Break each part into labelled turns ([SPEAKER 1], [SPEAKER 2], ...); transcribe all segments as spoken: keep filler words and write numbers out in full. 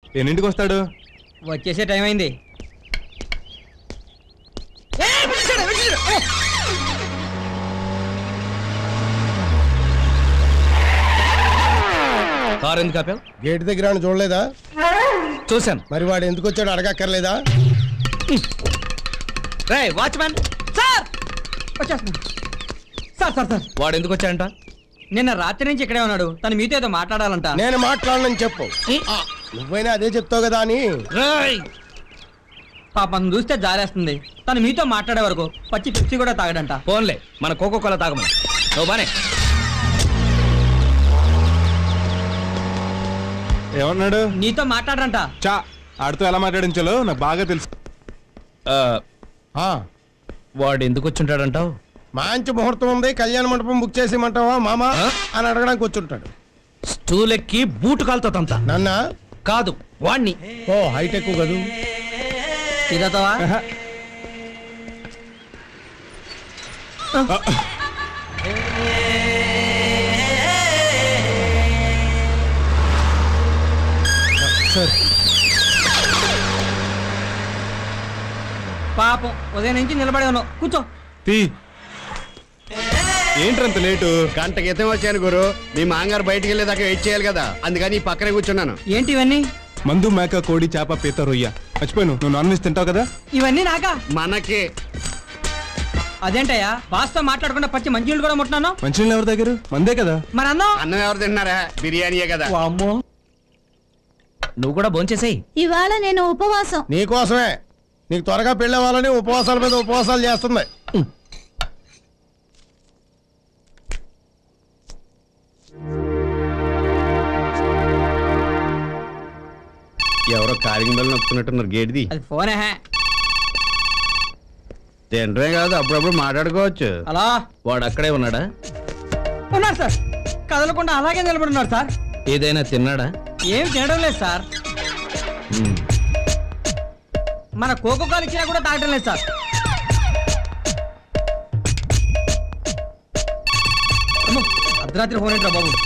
[SPEAKER 1] ఎన్నింటికి వస్తాడు?
[SPEAKER 2] వచ్చేసే టైం అయింది.
[SPEAKER 3] కారు ఎందుకు ఆపావు?
[SPEAKER 4] గేట్ దగ్గర ఆయన చూడలేదా?
[SPEAKER 3] చూశాను.
[SPEAKER 4] మరి వాడు ఎందుకు వచ్చాడు అడగక్కర్లేదా?
[SPEAKER 3] రే వాచ్మ్యాన్.
[SPEAKER 2] సార్ వచ్చేస్తున్నా. సార్ సార్ సార్
[SPEAKER 3] వాడు ఎందుకు వచ్చాడంట?
[SPEAKER 2] నిన్న రాత్రి నుంచి ఇక్కడే ఉన్నాడు. తను మీతో ఏదో మాట్లాడాలంట.
[SPEAKER 4] నేను మాట్లాడనని చెప్పు. ఆ, నువ్వైనా అదే చెప్తావు కదా అని.
[SPEAKER 3] రేయ్
[SPEAKER 2] పాపం చూస్తే జారేస్తుంది. తను మీతో మాట్లాడే వరకు పచ్చి పిచ్చి కూడా తాగడంట.
[SPEAKER 3] ఫోన్లే, మన కోకో కోలా తాగమని. నువ్వు బానే.
[SPEAKER 1] ఏమన్నాడు?
[SPEAKER 2] నీతో మాట్లాడరంట.
[SPEAKER 1] చా ఆడితో ఎలా మాట్లాడించాలో నాకు బాగా తెలుసు.
[SPEAKER 3] ఆ,
[SPEAKER 4] ఆ,
[SPEAKER 3] వాడు ఎందుకు వచ్చుంటాడంటావు?
[SPEAKER 4] మంచి ముహూర్తం ఉంది, కళ్యాణ మండపం బుక్ చేసేయమంటావా మామా
[SPEAKER 3] ఆ?
[SPEAKER 4] అని అడగడానికి వచ్చుంటాడు.
[SPEAKER 3] స్టూల్ ఎక్కి బూటు కాలుతో తంత.
[SPEAKER 4] నన్న
[SPEAKER 3] కాదు వాణ్ణి.
[SPEAKER 4] ఓ హైటెక్ కదూ.
[SPEAKER 2] ఇదతవా
[SPEAKER 1] ఆహా.
[SPEAKER 4] సార్
[SPEAKER 2] పాపం ఉదయం నుంచి నిలబడి ఉన్నావు. కూర్చో.
[SPEAKER 1] తీ. ఏంట్రంత లేటు?
[SPEAKER 5] గంట క్రితం వచ్చాను గురు. మీ మాంగారు బయటికి వెళ్ళేదాకా వెయిట్ చేయాలి కదా, అందుకని ఈ పక్కనే కూర్చున్నాను.
[SPEAKER 2] ఏంటి ఇవన్నీ?
[SPEAKER 1] మందు, మేక, కోడి, చేప, పీత, రొయ్య. మర్చిపోయాను, నువ్వు నాన్ వెజ్ తింటావు కదా.
[SPEAKER 2] ఇవన్నీ నాకా?
[SPEAKER 5] మనకి
[SPEAKER 2] అదేంటయ్యా బాస్తో మాట్లాడకుండా పచ్చి మంచినీళ్ళు కూడా ముట్టినాను.
[SPEAKER 1] మంచినీళ్ళు ఎవరి దగ్గర? మందే కదా.
[SPEAKER 2] మరి అన్నం?
[SPEAKER 5] అన్నం ఎవరు తింటున్నారా? బిర్యానీయే కదా.
[SPEAKER 2] వామ్మో.
[SPEAKER 3] నువ్వు కూడా భోంచేసేయ్.
[SPEAKER 6] ఇవాళ నేను ఉపవాసం.
[SPEAKER 4] నీకోసమే. నీకు త్వరగా పెళ్ళవ్వాలని ఉపవాసాల మీద ఉపవాసాలు చేస్తుంది.
[SPEAKER 5] ఎవరో కారింగ్ బెల్ నొక్కుతున్నట్టున్నారు. గేట్ది
[SPEAKER 2] అది ఫోనే.
[SPEAKER 5] తింటమే కాదు, అప్పుడప్పుడు మాట్లాడుకోవచ్చు.
[SPEAKER 2] అలా
[SPEAKER 3] వాడు అక్కడే ఉన్నాడా?
[SPEAKER 2] ఉన్నారు సార్. కదలకుండా అలాగే నిలబడి ఉన్నారు సార్.
[SPEAKER 3] ఏదైనా తిన్నాడా?
[SPEAKER 2] ఏం తినడం లేదు సార్.
[SPEAKER 3] ఉమ్.
[SPEAKER 2] మన కోకో కాలు ఇచ్చినా కూడా తాగడం లేదు సార్. అమ్మో, అర్ధరాత్రి ఫోన్ ఏంట్రా బాబు.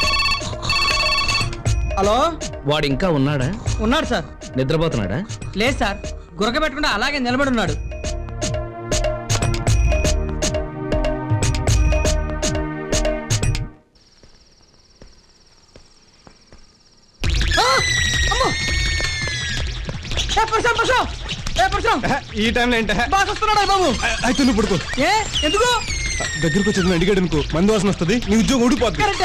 [SPEAKER 2] హలో,
[SPEAKER 3] వాడు ఇంకా ఉన్నాడా?
[SPEAKER 2] ఉన్నాడు సార్.
[SPEAKER 3] నిద్రపోతున్నాడా?
[SPEAKER 2] లేదు సార్, గురక పెట్టకుండా అలాగే నిలబడి ఉన్నాడు. ఆ! అమ్మో! ఏ పర్సన్, పర్సన్! ఏ పర్సన్!
[SPEAKER 1] ఆహా, ఈ టైంలో ఏంట?
[SPEAKER 2] బాగా వస్తున్నాడా బాబు?
[SPEAKER 1] అయితే నువ్వు పడుకో.
[SPEAKER 2] ఏ ఎందుకు?
[SPEAKER 1] దగ్గరకు వచ్చేది అడిగాడు అనుకో, మందు వాసన వస్తుంది, నీ ఉద్యోగం ఊడిపోద్ది.
[SPEAKER 2] కరెక్టే.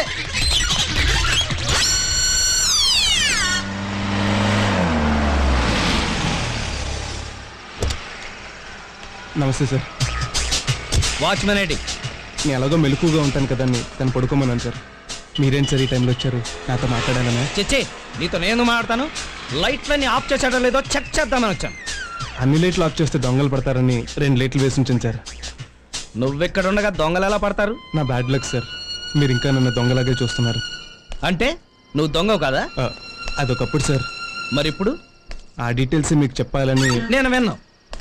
[SPEAKER 1] నమస్తే సార్.
[SPEAKER 3] వాచ్మెన్ ఏంటి?
[SPEAKER 1] నేను ఎలాగో మెలకుగా ఉంటాను కదా అని తను పడుకోమన్నాను సార్. మీరేంటి సార్ ఈ టైంలో వచ్చారు? నాతో మాట్లాడాలనే.
[SPEAKER 3] చెచ్చే, నీతో నేను మాట్లాడతాను. లైట్లన్నీ ఆఫ్ చేసాడో లేదో చెక్ చేద్దామని వచ్చాను.
[SPEAKER 1] అన్ని లైట్లు ఆఫ్ చేస్తే దొంగలు పడతారని రెండు లైట్లు వేసి ఉంచాను సార్.
[SPEAKER 3] నువ్వెక్కడ ఉండగా దొంగలు ఎలా పడతారు?
[SPEAKER 1] నా బ్యాడ్ లక్ సార్. మీరు ఇంకా నన్ను దొంగలాగే చూస్తున్నారు.
[SPEAKER 3] అంటే నువ్వు దొంగవు కదా?
[SPEAKER 1] ఆ, అదొకప్పుడు సార్.
[SPEAKER 3] మరి ఇప్పుడు
[SPEAKER 1] ఆ డీటెయిల్స్ మీకు చెప్పాలని.
[SPEAKER 3] నేను విన్నాను.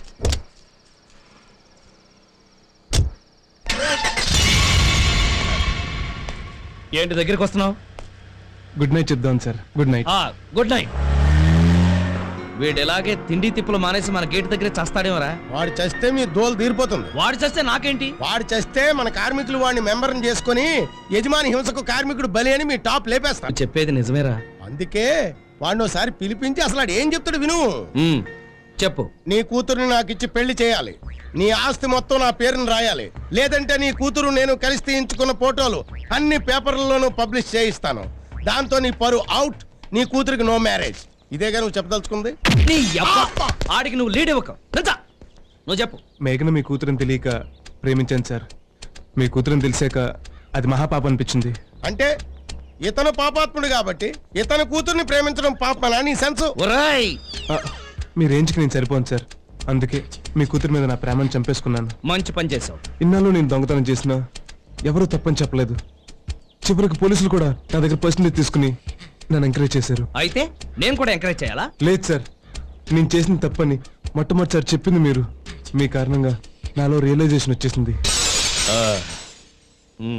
[SPEAKER 3] ఏంటి దగ్గరికి వస్తున్నావు?
[SPEAKER 1] గుడ్ నైట్ చెప్దాం sir. Good night.
[SPEAKER 3] Good night. వీడు ఎలాగే తిండి తిప్పులు మానేసి మన గేట్ దగ్గర చస్తాడేమరా?
[SPEAKER 4] వాడు చస్తే మీ దోలు తీరిపోతుంది.
[SPEAKER 3] వాడు చేస్తే నాకేంటి?
[SPEAKER 4] వాడు చస్తే మన కార్మికులు వాడిని మెంబర్ని చేసుకుని యజమాని హింసకు కార్మికుడు బలి అని మీ టాప్ లేపేస్తాడు.
[SPEAKER 3] చెప్పేది నిజమేరా?
[SPEAKER 4] అందుకే వాడిని ఒకసారి పిలిపించి అసలు వాడు ఏం చెప్తాడు విను.
[SPEAKER 3] ఉమ్, చెప్పు.
[SPEAKER 4] నీ కూతురుని నాకు ఇచ్చి పెళ్లి చేయాలి. నీ ఆస్తి మొత్తం నా పేరుని రాయాలి. లేదంటే నీ కూతురు నేను కలిసి తీయించుకున్న ఫోటోలు అన్ని పేపర్లలోనూ పబ్లిష్ చేయిస్తాను. దాంతో నీ పరు అవుట్. నీ కూతురికి నో మ్యారేజ్. ఇదేగా నువ్వు చెప్పదలుచుకుంది?
[SPEAKER 3] నీ యబ్బ! ఆడికి నువ్వు లీడ్ ఇవ్వక. నిజా? నువ్వు చెప్పు.
[SPEAKER 1] మేఘన మీ కూతురుని తెలియక ప్రేమించాను సార్. మీ కూతురుని తెలిసాక అది మహాపాపం అనిపించింది.
[SPEAKER 4] అంటే ఇతను పాపాత్ముడు కాబట్టి ఇతను కూతుర్ని ప్రేమించడం పాపమనా నీ సెన్స్?
[SPEAKER 3] ఒరేయ్,
[SPEAKER 1] ఆ, మీ రేంజ్కి నేను సరిపోను సార్. అందుకే మీ కూతురు మీద నా ప్రేమను చంపేసుకున్నాను.
[SPEAKER 3] మంచి పని చేసావు.
[SPEAKER 1] ఇన్నాళ్ళు నేను దొంగతనం చేసినా ఎవరూ తప్పని చెప్పలేదు. చివరికి పోలీసులు కూడా నా దగ్గర పర్సనల్ తీసుకుని నన్ను ఎంకరేజ్ చేశారు.
[SPEAKER 3] అయితే నేను కూడా ఎంకరేజ్ చేయాలా?
[SPEAKER 1] లేదు సార్, నేను చేసిన తప్పని మొట్టమొదటిసారి చెప్పింది మీరు. మీ కారణంగా నాలో రియలైజేషన్ వచ్చేసింది.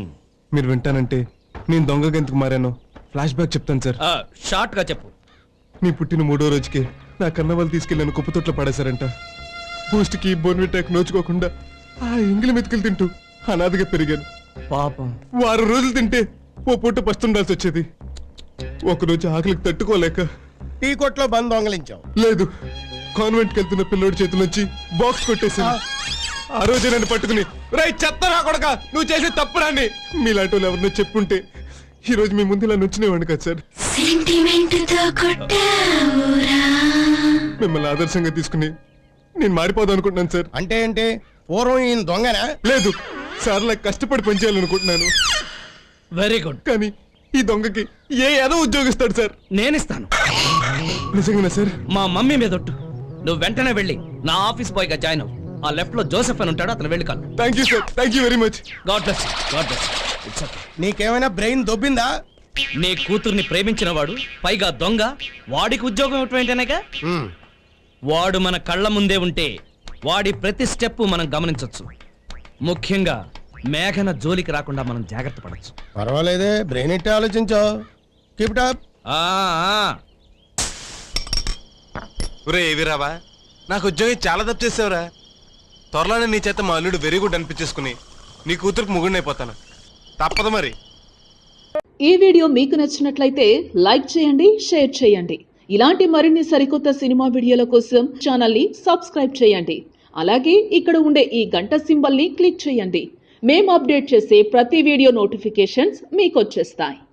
[SPEAKER 1] మీరు వింటానంటే నేను దొంగగా ఎందుకు మారానో ఫ్లాష్ బ్యాక్ చెప్తాను సార్.
[SPEAKER 3] షార్ట్ గా చెప్పు.
[SPEAKER 1] నీ పుట్టిన మూడో రోజుకి నా కన్న వాళ్ళు తీసుకెళ్ళి నన్ను కుప్పతొట్లో పడేశారంట. బూస్ట్కి బోన్విటాక్ నోచుకోకుండా ఆ ఎంగిలి మెతుకులు తింటూ అనాథగా పెరిగాను.
[SPEAKER 2] పాపం.
[SPEAKER 1] వారం రోజులు తింటే ఓ పూట పస్తుండాల్సి వచ్చేది. ఒకరోజు ఆకలికి తట్టుకోలేక
[SPEAKER 4] టీ కొట్లో బంద్ దొంగలించావు.
[SPEAKER 1] లేదు, కాన్వెంట్కి వెళ్తున్న పిల్లోడి చేతుల నుంచి బాక్స్ కొట్టేశాను. ఆ రోజే నన్ను పట్టుకుని రై చెత్తరా కొడక నువ్వు చేసే తప్పురాని మీలాంటి వాళ్ళు ఎవరినో చెప్పుంటే ఈ రోజు మీ ముందు ఇలా నుంచునేవాడిని కదా సార్. మిమ్మల్ని ఆదర్శంగా తీసుకుని నేను మారిపోదాం అనుకుంటున్నాను సార్.
[SPEAKER 4] అంటే ఏంటి? పూర్వం ఈయన దొంగనా?
[SPEAKER 1] లేదు సార్, నాకు కష్టపడి పనిచేయాలనుకుంటున్నాను.
[SPEAKER 3] Very good.
[SPEAKER 1] కానీ ఈ దొంగకి ఏ ఏదో ఉద్యోగిస్తాడు సార్.
[SPEAKER 3] నేనిస్తాను.
[SPEAKER 1] నిజంగానా సార్?
[SPEAKER 3] మా మమ్మీ మీద ఒట్టు. నువ్వు వెంటనే వెళ్ళి నా ఆఫీస్ బాయ్ గా జాయిన్ అవ్వు. ఆ లెఫ్ట్ లో జోసెఫ్ అని ఉంటాడు, అతను వెళ్ళి కాదు.
[SPEAKER 1] Thank you sir, thank you very much.
[SPEAKER 3] God bless God bless. It's okay.
[SPEAKER 4] నీకేమైనా బ్రెయిన్ దొబ్బిందా?
[SPEAKER 3] నీ కూతుర్ని ప్రేమించిన వాడు పైగా దొంగ వాడికి ఉద్యోగం ఇవ్వటం ఏంటనేగా.
[SPEAKER 4] హ్మ్.
[SPEAKER 3] వాడు మన కళ్ళ ముందే ఉంటే వాడి ప్రతి స్టెప్ మనం గమనించొచ్చు. ముఖ్యంగా మేఘన జోలికి రాకుండా మనం జాగ్రత్త పడచ్చు.
[SPEAKER 4] పర్వాలేదే, బ్రెయిన్ ఇట్టే ఆలోచించావు. Keep it up.
[SPEAKER 3] ఆ ఆ.
[SPEAKER 1] ఒరే ఏవిరావా, నాకు ఉద్యోగం చాలా తప్పు చేసావురా. త్వరలోనే నీ చేత మా అల్లుడు వెరీ గుడ్ అనిపించేసుకుని నీ కూతురుకు ముగుడినైపోతాను. తప్పదు మరి.
[SPEAKER 6] ఈ వీడియో మీకు నచ్చినట్లయితే లైక్ చేయండి, షేర్ చేయండి. ఇలాంటి మరిన్ని సరికొత్త సినిమా వీడియోల కోసం ఛానల్ని సబ్స్క్రైబ్ చేయండి. అలాగే ఇక్కడ ఉండే ఈ గంట సింబల్ని క్లిక్ చేయండి. మేము అప్డేట్ చేసే ప్రతి వీడియో నోటిఫికేషన్స్ మీకు వచ్చేస్తాయి.